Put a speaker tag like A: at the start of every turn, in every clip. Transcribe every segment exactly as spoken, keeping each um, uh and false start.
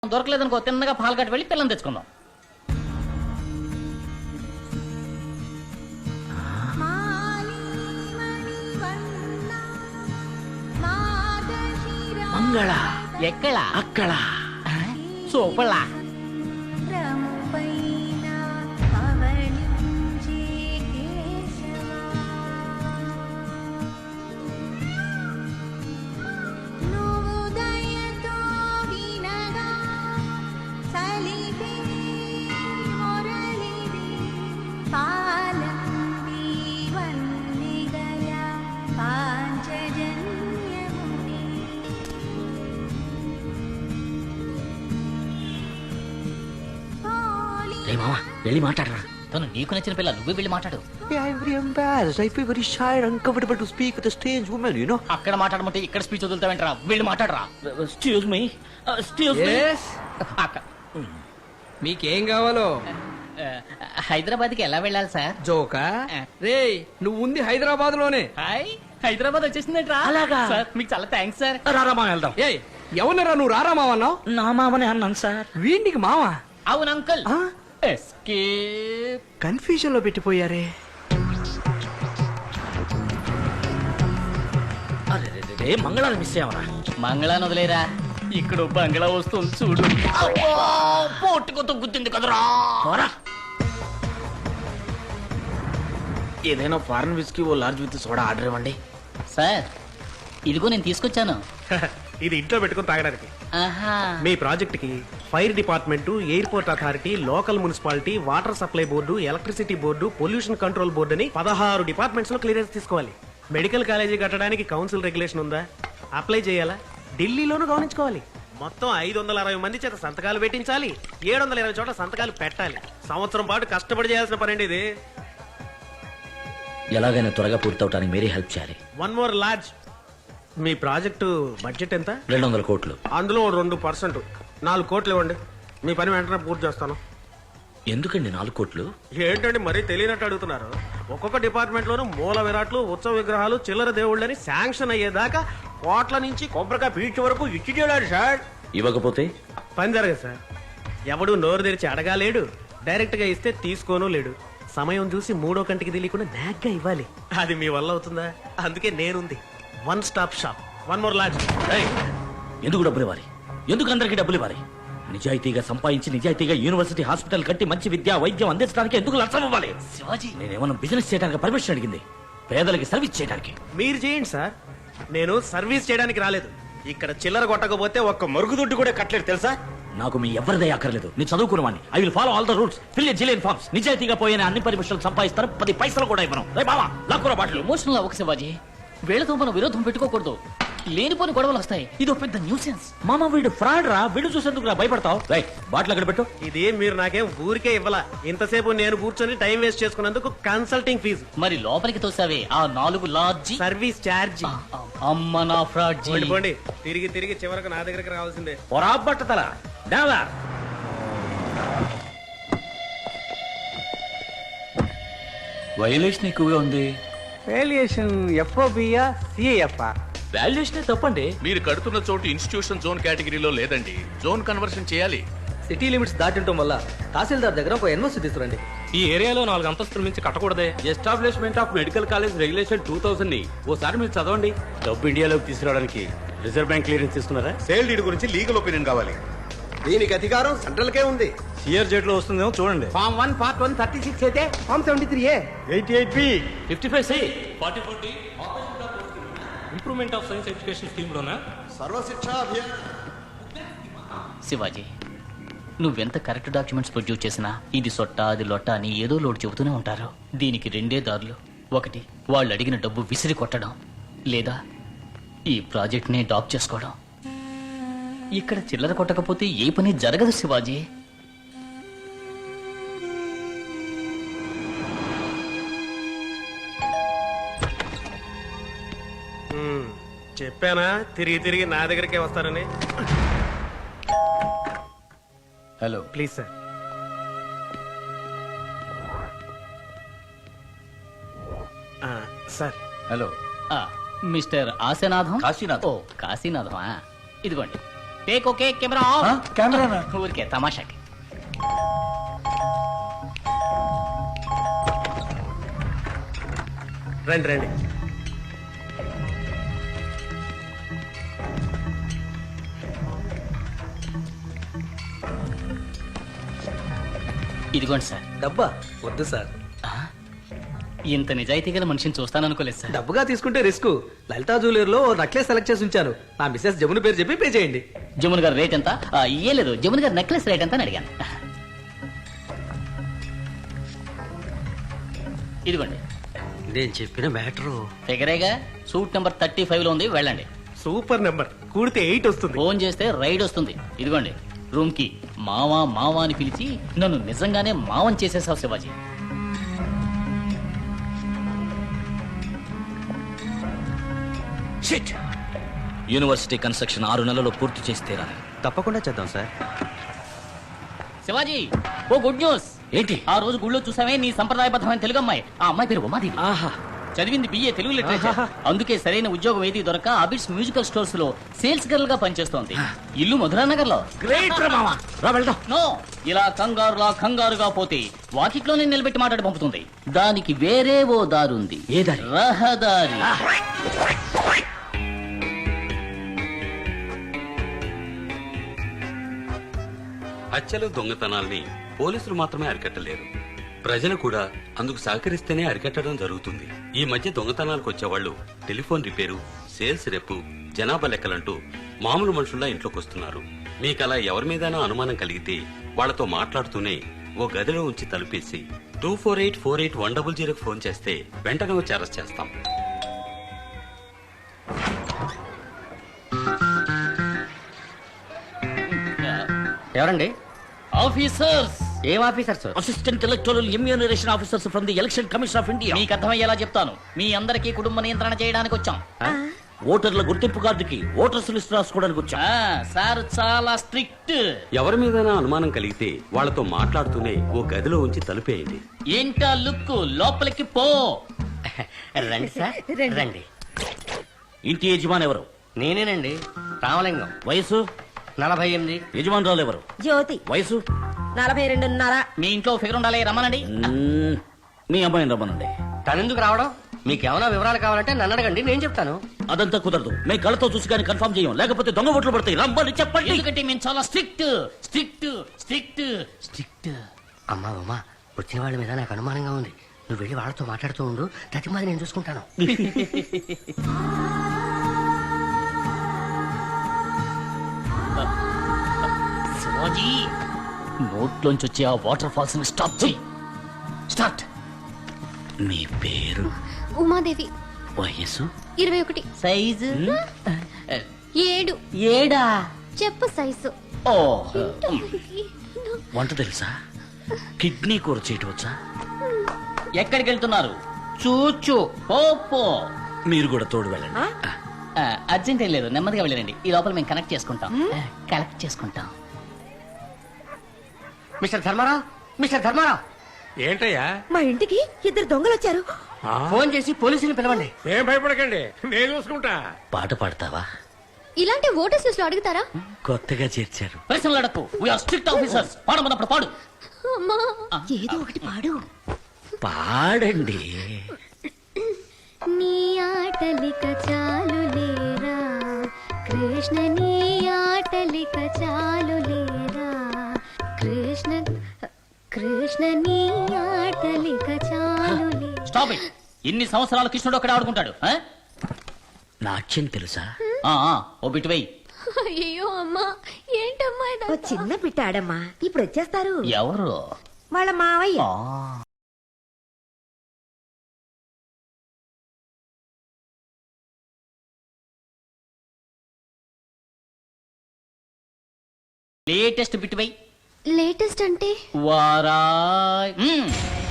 A: దొరకలేదనుకో తిన్నగా పాలు కట్టి వెళ్ళి పిల్లని తెచ్చుకుందాం.
B: మంగళ
A: ఎక్కడ
B: అక్కడ
A: సూపర్లా
B: మామ వెళ్ళి మాట్లాడరా.
A: తను నీకు నచ్చిన పిల్ల నువ్వే వెళ్ళి మాట్లాడు.
B: I'm very embarrassed. I feel very shy and uncomfortable to speak with a strange woman, you know.
A: అక్కడ మాట్లాడమంటే ఇక్కడ స్పీచ్ వదులుతావేంట్రా? వెళ్ళి మాట్లాడరా.
B: Excuse me. Uh, excuse me.
C: Yes.
A: అక్క
C: మీకేం కావాలో?
A: హైదరాబాద్ కి ఎలా వెళ్ళాలి సార్?
C: జోకా రే నువ్వు ఉంది హైదరాబాద్ లోనే.
A: హాయ్ హైదరాబాద్ వచ్చేసిందేంట్రా?
B: అలాగా?
A: సార్ మీకు చాలా థ్యాంక్స్ సార్.
B: రారా మామ వెళ్దాం.
C: ఏ ఎవరినరా నువ్వు రారా మావన్నావు?
B: నా మామనే అన్నాను సార్.
C: వీడికి మావా?
A: అవును అంకుల్.
B: ఆ?
A: ఎస్కేప్.
C: కన్ఫ్యూజన్ లో పెట్టిపోయారే.
B: అరే రే, రే, రే, మంగళాన్ని మిస్ అయ్యావరా.
A: మంగళాన్ని వదిలేరా, ఇక్కడ బంగ్లా వస్తుంది చూడు. పోటుకొతో గుర్తుంది కదరా.
B: పోరా. ఏదైనా ఫారెన్ విస్కీ ఓ లార్జ్ విత్ సోడా ఆర్డర్ ఇవ్వండి.
A: సార్ ఇదిగో నేను తీసుకొచ్చాను.
D: ఇది ఇంట్లో పెట్టుకుని తాగడానికి.
A: ఆహా.
D: మీ ప్రాజెక్ట్ కి fire department, airport authority, local municipality, water supply board, electricity board, pollution control board అని పదహారు డిపార్ట్మెంట్స్ లో క్లియరెన్స్ తీసుకోవాలి. మెడికల్ కాలేజీ కట్టడానికి కౌన్సిల్ రెగ్యులేషన్ ఉందా? అప్లై చేయాలా? ఢిల్లీలోనూ గమనించుకోవాలి. మొత్తం ఐదు వందల అరవై మంది చేత సంతకాలు పెట్టించాలి. ఏడు వందల ఇరవై చోట్ల సంతకాలు పెట్టాలి. సంవత్సరం పాటు కష్టపడి చేయాల్సిన పని ఇది.
B: ఎలాగైనా త్వరగా పూర్తవటానికి మీరే హెల్ప్ చేయాలి.
D: One more large. మీ ప్రాజెక్టు బడ్జెట్ ఎంత?
B: రెండు వందల కోట్లు.
D: అందులో రెండు పర్సెంట్ నాలుగు కోట్లు ఇవ్వండి. మీ పని వెంటనే పూర్తి చేస్తాను.
B: ఎందుకండి నాలుగు కోట్లు?
D: ఏంటండి మరీ తెలియనట్టు అడుగుతున్నారు? ఒక్కొక్క డిపార్ట్మెంట్ లోనూ మూల విరాట్లు, ఉత్సవ విగ్రహాలు, చిల్లర దేవుళ్ళని శాంక్షన్ అయ్యేదాకా కోట్ల నుంచి కొబ్బరికాయ పీచు వరకు ఇచ్చి చేయడాడు సార్.
B: ఇవ్వకపోతే
D: పని జరగదు సార్. ఎవడు నోరు తెరిచి అడగాలేడు, డైరెక్ట్ గా ఇస్తే తీసుకోను లేడు. సమయం చూసి మూడో కంటికి తెలియకుండా నాగ్గా ఇవ్వాలి. అది మీ వల్ల అవుతుందా? అందుకే నేనుంది. One stop shop. One more lodge.
B: ఎందుకు డబ్బులు ఇవ్వాలి? ఎందుకు అందరికీ డబ్బులు ఇవ్వాలి? నిజాయితీగా సంపాదించి నిజాయితీగా యూనివర్సిటీ హాస్పిటల్ కట్టి మంచి విద్య వైద్యం అందించడానికి ఎందుకు లక్షం ఇవ్వాలి?
A: శివాజీ,
B: నేనేమన్నా బిజినెస్ చేయడానికి పర్మిషన్ అడిగింది, పేదలకి సర్వీస్ చేయడానికి.
D: మీరు చేయండి సార్, నేను సర్వీస్ చేయడానికి రాలేదు. ఇక్కడ చిల్లర కొట్టకపోతే ఒక్క మరుగుదొడ్డు కూడా కట్టలేదు తెలుసా?
B: నాకు మీ ఎవరిదే అక్కర్లేదు. నేను చదువుకున్నవాడిని. I will follow all the rules. Fill a zillion forms. నిజాయితీగా పోయిన అన్ని పర్మిషన్లు సంపాదిస్తారు. పది పైసలు కూడా ఇవ్వను. రే బావా, లాక్కురా బాటలు.
A: ఎమోషనల్ అవ్వక శివాజీ. వీళ్ళతో మనం విరోధం పెట్టుకోకూడదు. లేనిపోని గొడవలు వస్తాయి. ఇది పెద్ద న్యూసెన్స్.
B: మామ వీడు ఫ్రాడ్ రా. వీడు చూసేందుకు రా భయపడతావు. రైట్, బాటిల్ అక్కడ పెట్టు.
D: ఇది మీరు నాకేం ఊరికే ఇవ్వాలా. ఇంతసేపు నేను కూర్చొని టైం వేస్ట్ చేసుకున్నందుకు కన్సల్టింగ్ ఫీజు.
A: మరి లోపలికి తోసావే ఆ నాలుగు లాడ్జి
D: సర్వీస్ ఛార్జ్.
A: అమ్మ నా ఫ్రాడ్ జీ.
D: పోండి, తిరిగి తిరిగి చివరకు నా దగ్గరికి రావాల్సిందే.
B: పొరా బట్టతల డావా.
E: వైలేషన్ ఎక్కువగా ఉంది.
C: వేలియేషన్ ఎఫ్ఓబియా సిఏఎఫ్
E: వాల్యుయేషన్ తప్పండి.
F: మీరు కడుతున్న చోటు ఇన్స్టిట్యూషన్ జోన్ కేటగిరీలో లేదండి. జోన్ కన్వర్షన్ చేయాలి.
C: సిటీ లిమిట్స్ దాటింటం వల్ల తహసీల్దార్ దగ్గర ఒక ఎన్ఓసి తీసుకురండి.
E: ఈ ఏరియాలో నాలుగు అంతస్తుల మించి కట్టకూడదే. Establishment of medical college regulation two thousand ని ఓసారి మీరు చదవండి.
G: డబ్బు ఇండియాలోకి తీసుకురావడానికి రిజర్వ్ బ్యాంక్ క్లియరెన్స్ తీసుకున్నారా?
H: సేల్ డీడ్ గురించి లీగల్ ఒపీనియన్ కావాలి. దీనికి అధికారం సెంట్రల్ కే ఉంది.
G: సిఆర్ జెట్ లో వస్తుందేమో చూడండి.
C: Form one part one thirty six అయితే form seventy three A
G: eighty eight B
E: fifty five C forty four D improvement of science education scheme లోనా
H: సర్వశిక్షా అభియాన్.
A: శివాజీ, నువ్వెంత కరెక్ట్ డాక్యుమెంట్స్ ప్రొడ్యూస్ చేసినా ఇది సొట్ట అది లొట్ట అని ఏదో లోటు చెబుతూనే ఉంటారు. దీనికి రెండే దారులు. ఒకటి, వాళ్ళు అడిగిన డబ్బు విసిరి కొట్టడం, లేదా ఈ ప్రాజెక్ట్ ని డాప్ చేసుకోవడం. ఇక్కడ చిల్లర కొట్టకపోతే ఏ పని జరగదు శివాజీ.
D: హ్మ్, చెప్పానా తిరిగి తిరిగి నా దగ్గరికే వస్తారని.
E: Hello
D: please sir. Sir
E: hello
A: ఆ, మిస్టర్ ఆశనాథం.
E: కాశీనాథం.
A: ఓ కాశీనాథం. ఇదిగోండి టేక్ ఓకే కెమెరా కెమెరా ఊరికే తమాషాకి.
D: రండి రండి.
A: ఇదిగోండి సార్.
C: డబ్బా వద్దు సార్.
A: ఇంత నిజాయితీ గల మనిషిని చూస్తాననుకోలేదు సార్.
C: డబ్బుగా తీసుకుంటే రిస్క్. లలితా జ్యువెలర్ లో నెక్లెస్ సెలెక్ట్ చేసి ఉంచాను. నా మిస్సెస్ జమున పేరు చెప్పి పే చేయండి.
A: జమున్ గారు రేట్ ఎంత? ఆ, ఏ లేదు, జమున్ గారు నెక్లెస్ రేట్ ఎంత అని అడిగాను. ఇదిగోండి.
I: నేను చెప్పిన మ్యాటరు
A: ఫిగరేగా. సూట్ నెంబర్ థర్టీ ఫైవ్ లో ఉంది, వెళ్ళండి.
D: Super number. కూడితే ఎయిట్ వస్తుంది.
A: ఫోన్ చేస్తే రైడ్ వస్తుంది. ఇదిగోండి రూమ్ కి. మావా మావా అని పిలిచి నన్ను నిజంగానే మావం చేసేసావు శివాజీ.
B: షిట్! యూనివర్సిటీ కన్స్ట్రక్షన్ ఆరు నెలల్లో పూర్తి చేసి తీరాలి.
I: తప్పకుండా చేద్దాం సార్.
A: శివాజీ, ఓ గుడ్ న్యూస్.
B: ఏంటి?
A: ఆ రోజు గుళ్ళో చూసామే నీ సంప్రదాయబద్ధమైన తెలుగు అమ్మాయి. ఆ అమ్మాయి పేరు ఉమాదేవి.
B: ఆహా!
A: చదివింది బిఏ తెలుగు లిటరేచర్. అందుకే సరైన ఉద్యోగం ఏది దొరక అబిడ్స్ మ్యూజికల్ స్టోర్స్ లో సేల్స్ గర్ల్ గా పనిచేస్తోంది. ఇల్లు మధురానగర్ లో.
B: గ్రేట్ రా మావా. రా వెళ్దాం.
A: నో, ఇలా కంగారులా కంగారుగా పోతే వాకిట్లోనే నిలబెట్టి మాట్లాడి పంపుతుంది. దానికి వేరే ఓ దారుంది.
B: ఏ దారి?
A: రహదారి.
E: హత్యలు దొంగతనాల్ని పోలీసులు మాత్రమే అరికట్టలేరు, ప్రజలు కూడా అందుకు సహకరిస్తేనే అరికట్టడం జరుగుతుంది. ఈ మధ్య దొంగతనాలకు వచ్చేవాళ్ళు టెలిఫోన్ రిపేరు, సేల్స్ రెప్పు, జనాభా లెక్కలంటూ మామూలు మనుషుల్లా ఇంట్లోకి వస్తున్నారు. మీకు అలా ఎవరి మీదైనా అనుమానం కలిగితే వాళ్లతో మాట్లాడుతూనే ఓ గదిలో ఉంచి తలుపేసి two four eight four eight one double జీరోకి ఫోన్ చేస్తే వెంటనే వచ్చి అరెస్ట్ చేస్తాం.
I: ఎవరండి?
A: ఆఫీసర్స్.
I: ఏం officer sir?
B: Assistant electoral enumeration officers from the election commission of India.
A: మీకు అర్థమయ్యేలా చెప్తాను. మీ అందరికీ కుటుంబ నియంత్రణ చేయడానికి వచ్చాం.
B: ఓటర్ల గుర్తింపు కార్డుకి ఓటర్స్ లిస్ట్ రాసుకోవడానికి వచ్చా.
A: ఆ, సార్ చాలా స్ట్రిక్ట్.
E: ఎవరి మీదైనా అనుమానం కలిగితే వాళ్లతో మాట్లాడుతూనే ఓ గదిలో ఉంచి తలుపేయండి.
A: ఏంటా లుక్? లోపలికి పో.
I: రండి సార్, రండి.
B: ఇంటి యజమాని ఎవరు?
I: నేనేనండి, రామలింగం.
B: వయసు?
I: నలభై ఎనిమిది.
B: యజమానురాలు ఎవరు?
J: జ్యోతి.
B: వయసు?
J: నలభై రెండున్నర.
A: మీ ఇంట్లో ఫిగర్ ఉండాలి, రమ్మనండి.
B: మ్మ్. మీ అమ్మాయిని రమ్మనండి.
I: తనెందుకు రావడం? మీకేమైనా వివరాలు కావాలంటే నన్ను అడగండి, నేను చెప్తాను.
B: అదంతా కుదరదు. మేము కళ్ళతో చూసి కానీ కన్ఫర్మ్ చేయం, లేకపోతే దొంగ ఓట్లు పడతాయి. రమ్మని చెప్పండి.
A: ఎందుకంటే మేము చాలా స్ట్రిక్ట్ స్ట్రిక్ట్ స్ట్రిక్ట్ స్ట్రిక్ట్.
I: అమ్మా అమ్మా, వచ్చిన వాళ్ళ మీద నాకు అనుమానంగా ఉంది. నువ్వు వెళ్ళి వాళ్ళతో మాట్లాడుతూ ఉండు, ప్రతి మాది నేను చూసుకుంటాను.
A: శివాజీ, నోట్లోంచి వచ్చే ఆ వాటర్ ఫాల్స్ ని స్టాప్ చేయి. స్టార్ట్.
B: మీ పేరు?
J: ఉమాదేవి.
B: వయసు?
J: ఇరవై ఒకటి.
A: సైజు?
J: ఏడు.
A: ఏడా?
J: చెప్పు సైజు.
A: ఓ,
B: వంట తెలుసా? కిడ్నీ కూర చేయటం వచ్చా?
A: ఎక్కడికి వెళ్తున్నారు? చూచు. పో పో.
B: మీరు కూడా తోడు వెళ్ళండి.
A: ఆ, అర్జెంట్ ఏం లేదు, నెమ్మదిగా వెళ్ళండి. ఈ లోపల మేము కనెక్ట్ చేసుకుంటాం. కలెక్ట్ చేసుకుంటాం.
I: మిస్టర్ ధర్మారావు, మిస్టర్ ధర్మారావు,
G: ఏంటయ్యా?
J: మా ఇంటికి ఇద్దరు దొంగలు వచ్చారు.
I: ఫోన్ చేసి పోలీసుని పిలవండి.
G: ఏం భయపడకండి, నేను చూసుకుంటా.
B: పాట పాడతావా?
J: ఇలాంటి ఓటర్స్ లిస్ట్ లో అడుగుతారా?
B: కొత్తగా చేర్చారు.
A: ప్రశ్నలు అడక్కు. We are strict officers. పాడమన్నప్పుడు పాడు.
J: అమ్మా, ఏదో ఒకటి పాడు.
B: పాడండి.
J: నీ ఆటలిక చాలు లేరా కృష్ణ, నీ ఆటలిక చాలు లేరా కృష్ణ, కృష్ణ నీ ఆటలిక చాలు లేరా.
A: Stop it. ఇన్ని సంవత్సరాల కృష్ణుడు అక్కడ ఆడుకుంటాడు. ఆ?
B: నాట్యం తెలుసా?
A: ఆ, ఆ, ఓ బిట్ వెయ్యి.
J: అయ్యో అమ్మా, ఏంటమ్మా ఇదంతా?
K: ఓ చిన్న పిట్టాడమ్మా, ఇప్పుడు వచ్చేస్తారు.
A: ఎవరు?
K: వాళ్ళ మావయ్య.
A: లేటెస్ట్ బిట్ వెయ్యి.
J: లేటెస్ట్ అంటే
A: వారాయ్. మ్మ్.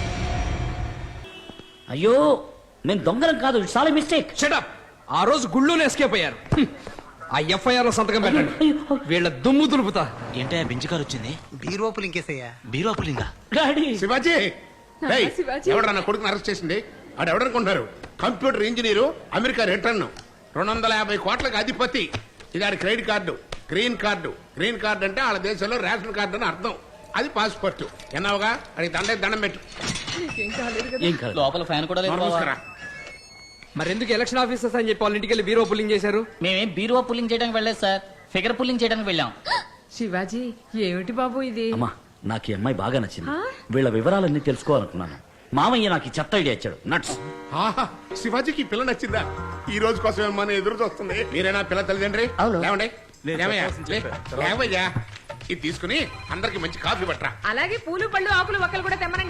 B: అయ్యో, నేను దొంగలం కాదు. It's all mistake.
C: షటప్. ఆ రోజు గుళ్ళోనే ఎస్కేప్ అయ్యారు. హ్మ్. ఆ ఎఫ్ఐఆర్ లో సంతకం పెట్టండి. వీళ్ళ దుమ్ము దులుపుతా.
I: ఏంటయ్యా బెంచ్ కారు వచ్చింది?
H: బీరోపులు ఇంకేసయ్యా.
I: బీరోపులింగా?
B: డాడీ,
H: శివాజీ ఎవడన్నా నా కొడుకుని అరెస్ట్ చేసింది? ఆడు ఎవడనుకుంటున్నారు? కంప్యూటర్ ఇంజనీరు, అమెరికా రిటర్న్, రెండు వందల యాభై కోట్లకు అధిపతి. ఇది ఆడి credit card. Green card green card అంటే వాళ్ళ దేశంలో రేషన్ కార్డు అని అర్థం. అది పాస్పోర్ట్. ఎన్నావుగా అది దండ దండం పెట్టు.
B: ఏం కాదు
A: లోపల ఫ్యాన్ కూడా లేదు
H: నోరు
A: బావా.
H: మూసుకురా.
C: మరెందుకు ఎలక్షన్ ఆఫీసర్స్ అని చెప్పి వాళ్ళ ఇంటికి వెళ్ళి బీరో పుల్లింగ్ చేశారు?
A: మేమేం బీరువా పుల్లింగ్ చేయడానికి వెళ్ళలేదు సార్, ఫిగర్ పుల్లింగ్ చేయడానికి వెళ్ళాం.
K: శివాజీ ఏమిటి బాబు ఇది?
B: అమ్మా నాకు ఈ అమ్మాయి బాగా నచ్చింది. వీళ్ళ వివరాలన్నీ తెలుసుకోవాలనుకున్నాను. మామయ్య నాకు ఈ చెత్త ఐడియా ఇచ్చాడు. నట్స్.
H: ఆహా, శివాజీకి ఈ పిల్ల నచ్చిందా? ఈ రోజు కోసం ఏమన్నా ఎదురు చూస్తుంది. మీరేనా పిల్ల తల్లిదండ్రి?
I: అవును.
H: లేవండి లేవయ్యా, లే, లేవయ్యా. ఇది తీసుకుని అందరికి మంచి కాఫీ పట్టరా.
K: అలాగే పూలు పళ్ళు ఆకులు ఒక్కలు కూడా తెమ్మనండి.